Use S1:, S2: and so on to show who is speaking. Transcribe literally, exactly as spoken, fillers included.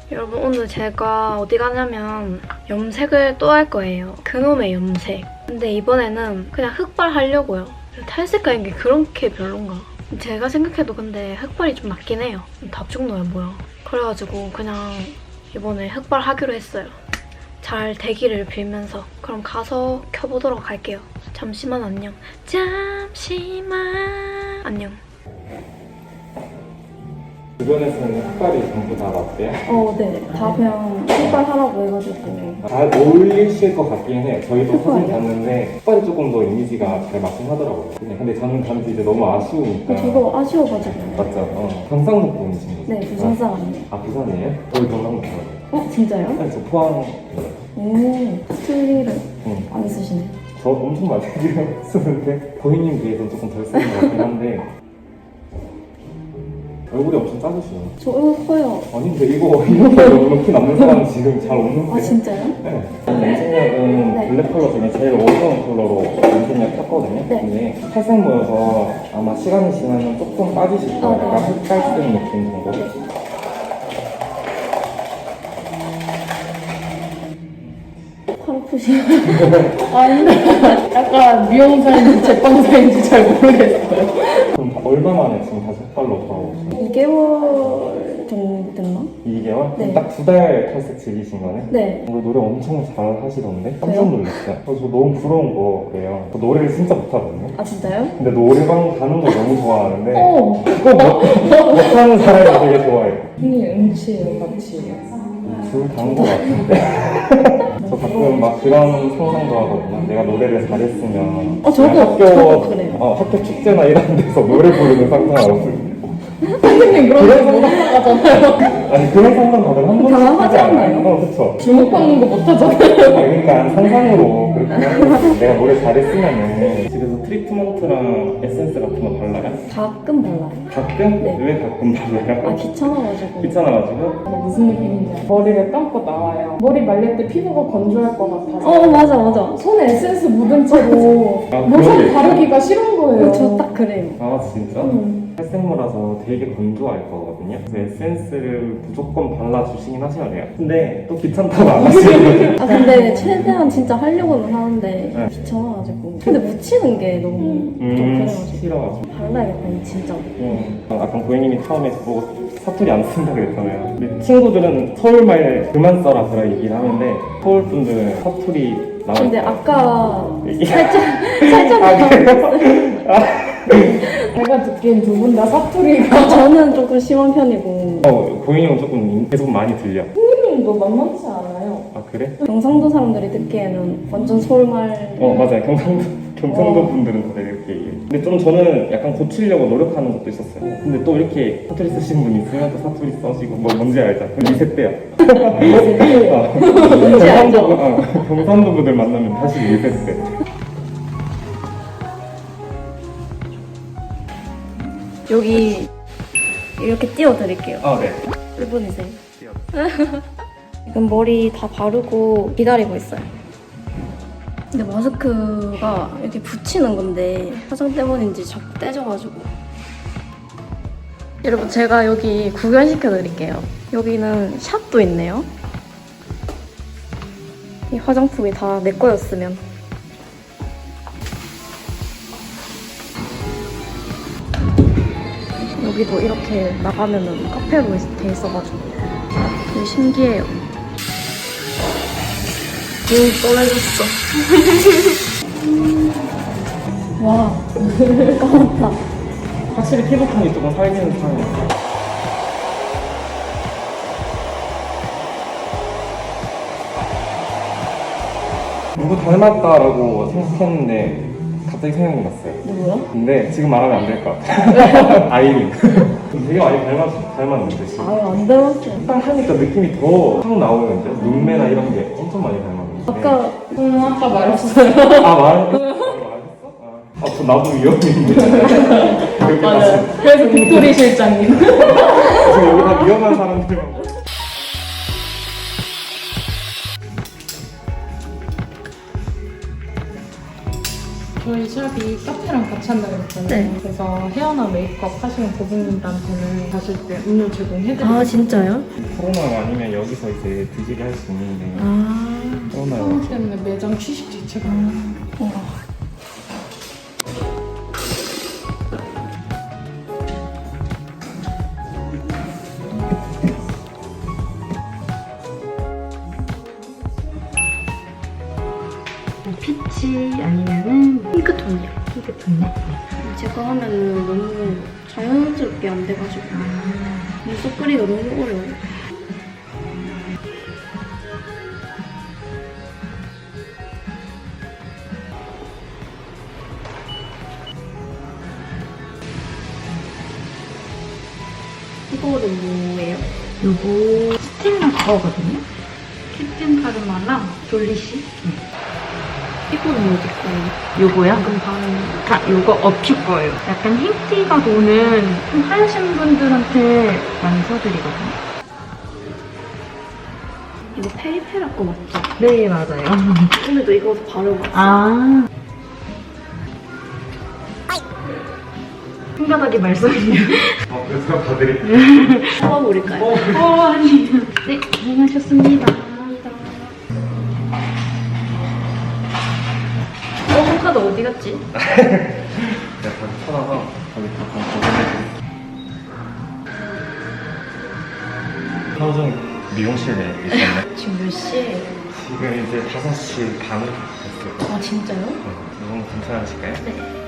S1: 여러분 오늘 제가 어디 가냐면 염색을 또 할 거예요. 그놈의 염색. 근데 이번에는 그냥 흑발 하려고요. 탈색하는 게 그렇게 별론가? 제가 생각해도 근데 흑발이 좀 낫긴 해요. 답중노야 뭐야. 그래가지고 그냥 이번에 흑발 하기로 했어요. 잘 되기를 빌면서. 그럼 가서 켜보도록 할게요. 잠시만 안녕. 잠시만 안녕.
S2: 주변에서는 흑발이 전부 다 맞대요?
S1: 어, 네. 다 그냥 흑발 하라고 해가지고.
S2: 잘 어울리실 것 같긴 해. 저희도 사진
S1: 흑발이요?
S2: 봤는데 흑발이 조금 더 이미지가 잘 맞긴 하더라고요. 근데 저는 단지 이제 너무 아쉬우니까.
S1: 저도 아쉬워가지고.
S2: 맞죠? 어. 경상도 분이신 거죠?
S1: 네, 부산 사람이에요.
S2: 아, 부산이에요? 저희 경상도 사람.
S1: 어, 진짜요?
S2: 아니, 저 포항.
S1: 오, 스틸리를
S2: 응.
S1: 안 쓰시네.
S2: 저 엄청 많이 쓰는데 고객님 비해서는 조금 덜 쓰는 것 같긴 한데 얼굴이 엄청 작으시네요.
S1: 저 얼굴 커요.
S2: 아니 근데 이거 이렇게 이렇게 남는 사람 지금 잘 없는데.
S1: 아, 진짜요?
S2: 네. 염색약은
S1: 네.
S2: 블랙 컬러 중에 제일 어두운 컬러로 염색약 켰거든요.
S1: 네.
S2: 근데 탈색 모여서 아마 시간이 지나면 조금 빠지실 거예요.
S1: 아, 네.
S2: 약간 흑갈 쓰는 느낌 정도.
S1: 팔 아프시네.
S3: 아닌데 약간 미용사인지 제빵사인지 잘 모르겠어요.
S2: 그럼 얼마 만에 지금 다시 흑발로 돌아오셨어요?
S1: 이 개월 정도 됐나?
S2: 이 개월?
S1: 네.
S2: 딱 두 달 탈색 즐기신 거네?
S1: 네.
S2: 오늘 노래 엄청 잘 하시던데? 깜짝
S1: 왜요?
S2: 놀랐어요. 그래서 저 너무 부러운 거예요. 저 노래를 진짜 못하거든요.
S1: 아, 진짜요?
S2: 근데 노래방 가는 거 너무 좋아하는데
S3: 어,
S2: 그거 못, 못하는 사람이 되게 좋아해요.
S3: 형이 음치예요, 같이.
S2: 둘 다인 것 같은데. 저 가끔 막 그런 상상도 하거든요. 내가 노래를 잘했으면
S1: 어, 저도,
S2: 그냥 학교,
S1: 저도 그래요.
S2: 어, 학교 축제나 이런 데서 노래 부르는 상상하거든요.
S3: 선생님 그런 거 못 나가잖아요.
S2: 아니 그런 상상 다들 한 번씩
S1: 다 하지 않나요?
S2: 어, 그쵸.
S3: 주목받는 거 못하잖아요.
S2: 그러니까 상상으로 그렇게 하고 내가 노래 잘했으면은 집에서 트리트먼트랑 에센스 같은 거 발라요?
S1: 가끔 발라요.
S2: 가끔?
S1: 네.
S2: 왜 가끔 발라요?
S1: 아, 귀찮아가지고.
S2: 귀찮아가지고?
S3: 무슨 느낌인지 알아요? 머리를 감고 나와요. 머리 말릴 때 피부가 건조할 것 같아서
S1: 어, 맞아, 맞아.
S3: 손에 에센스 묻은 채로
S2: 아,
S3: 로션
S2: 그러게.
S3: 바르기가 싫은 거예요.
S1: 저 딱 그래요.
S2: 아 진짜?
S3: 음.
S2: 탈색모라서 되게 건조할 거거든요. 그래서 에센스를 무조건 발라주시긴 하셔야 돼요. 근데 또 귀찮다고 안 하시거든요.
S1: 아, 근데 최대한 진짜 하려고는 하는데
S2: 네.
S1: 귀찮아가지고. 근데 묻히는 게 너무 좀
S2: 음,
S1: 그래가지고.
S2: 싫어가지고.
S1: 발라야겠다, 진짜.
S2: 음, 아까 고객님이 처음에 보고 사투리 안 쓴다 그랬잖아요. 근데 친구들은 서울말 그만 써라 그런 얘기를 하는데 서울 분들은 사투리 나올
S1: 근데
S2: 때
S1: 아까
S2: 이게-
S1: 살짝, 살짝
S2: 아,
S1: 나왔어요.
S3: 제가 듣기엔 두 분 다 사투리가
S1: 저는 조금 심한 편이고
S2: 어, 고객님은 조금 계속 많이 들려.
S3: 형님도 만만치 않아요.
S2: 아 그래?
S1: 경상도 사람들이 듣기에는 완전 서울말.
S2: 어 맞아요. 경상도 경상도
S1: 어.
S2: 분들은 다들 이렇게 얘기해요. 근데 좀 저는 약간 고치려고 노력하는 것도 있었어요. 근데 또 이렇게 사투리 쓰시는 분 있으면 또 사투리 써시고 뭐 뭔지 알죠? 리셋돼요. 어.
S1: 뭔지 알죠?
S2: 경상도, 어, 경상도 분들 만나면 다시 리셋돼.
S1: 여기 이렇게 띄워드릴게요.
S2: 아 네.
S1: 일 분이세요. 지금 머리 다 바르고 기다리고 있어요. 근데 마스크가 이렇게 붙이는 건데 화장 때문인지 자꾸 떼져가지고. 여러분 제가 여기 구경시켜 드릴게요. 여기는 샵도 있네요. 이 화장품이 다 내 거였으면. 여기도 이렇게 나가면은 카페로 돼 있어가지고 되게 신기해요. 오, 떠내줬어. 와, 까맣다.
S2: 확실히 피부톤이 조금 살기는 편해요. 누구 닮았다라고 생각했는데 갑자기 생각이 났어요.
S1: 누구요?
S2: 근데 지금 말하면 안 될 것 같아요. 아이린. 되게 많이 닮았, 닮았는데 지금.
S1: 아유, 안 닮았죠.
S2: 딱 하니까 느낌이 더 확 나오는데 눈매나 이런 게 엄청 많이 닮았는데.
S1: 아까
S3: 음, 아까 말했어요.
S2: 아 말? 말했어? 아, 저 나도 위험인데. 이렇게
S3: 맞아요.
S2: 다시
S3: 그래서 빅토리 실장님.
S2: 지금 여기 다 위험한 사람들만.
S3: 저희 샵이 카페랑 같이 한다고 했잖아요.
S1: 네.
S3: 그래서 헤어나 메이크업 하시는 고객님들한테는 가실 때 음료 제공해드리고
S1: 아 진짜요?
S2: 코로나 아니면 여기서 이제 드시게 할 수 있는데
S1: 아.
S2: 코로나
S3: 코로나 때문에 매장 취식 자체가
S1: 어.
S4: 피치 아니면은
S1: 핑크톤이요.
S4: 핑크톤네.
S1: 제가 하면은 너무 자연스럽게 안 돼가지고 눈썹 그리기가 너무 어려워요. 이거는 뭐예요?
S4: 요거 스텔라 거거든요.
S1: 캡틴 카르마랑 졸리시? 이거는 어디 거예요?
S4: 요거요?
S1: 방금 바른
S4: 아, 요거 어퓨 거예요. 약간 흰티가 도는 좀 하얀신 분들한테 많이 써드리거든요.
S1: 이거 페리페라 거 맞죠?
S4: 네, 맞아요.
S1: 오늘도 이거 바르고 왔어요.
S4: 아. 흉가닥이 말썽이요.
S2: 어, 그래서 봐드릴게요.
S1: 뽑아버릴까요?
S4: 어, 아니요. 네, 고생하셨습니다.
S1: 어, 손카드 어디 갔지?
S2: 제가 다시 찾아서 거기 잠깐 보내드릴게요. 현정 미용실에 있었네.
S1: 지금 몇 시에?
S2: 지금 이제 다섯 시 반 됐어요.
S1: 아, 진짜요?
S2: 네, 너무 괜찮으실까요?
S1: 네.